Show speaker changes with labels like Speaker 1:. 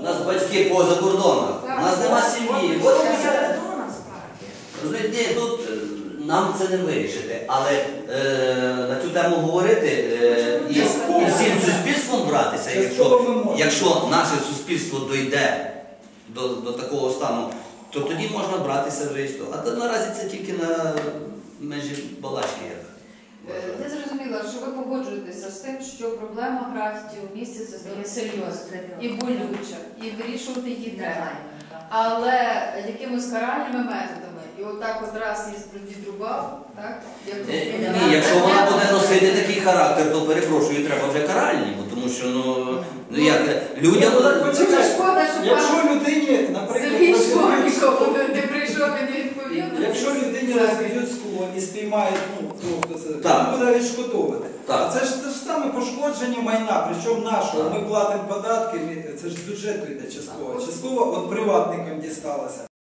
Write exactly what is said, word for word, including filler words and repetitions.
Speaker 1: У нас батьки поза кордоном, у нас нема сім'ї. Розумієте, тут нам це не вирішити, але е, на цю тему говорити е, і, і всім суспільством братися, якщо, якщо наше суспільство дойде до, до такого стану, то тоді можна братися вже і що. А то наразі це тільки на межі балачки.
Speaker 2: Я зрозуміла, що ви погоджуєтеся з тим, що проблема графіті у місті це стає серйозна і болюча, і вирішувати її треба. Але якимись каральними методами, і отак от раз і відрубав, так?
Speaker 1: Ні, якщо вона буде носити такий характер, то перепрошую, треба вже каральні, бо тому що, ну, ну як, людям...
Speaker 2: Дуже шкода, що
Speaker 3: якщо
Speaker 2: пан
Speaker 3: людині, наприклад,
Speaker 2: Сергій Школьников не прийшов і не відповів,
Speaker 3: якщо людині розб'ють скло і спіймають, ну, хто це,
Speaker 1: Так.
Speaker 3: він буде відшкодовувати.
Speaker 1: Так.
Speaker 3: А це ж те ж саме пошкодження майна, причому нашого.
Speaker 1: Так.
Speaker 3: Ми платимо податки, це ж з бюджету йде частково. Частково от приватникам дісталося.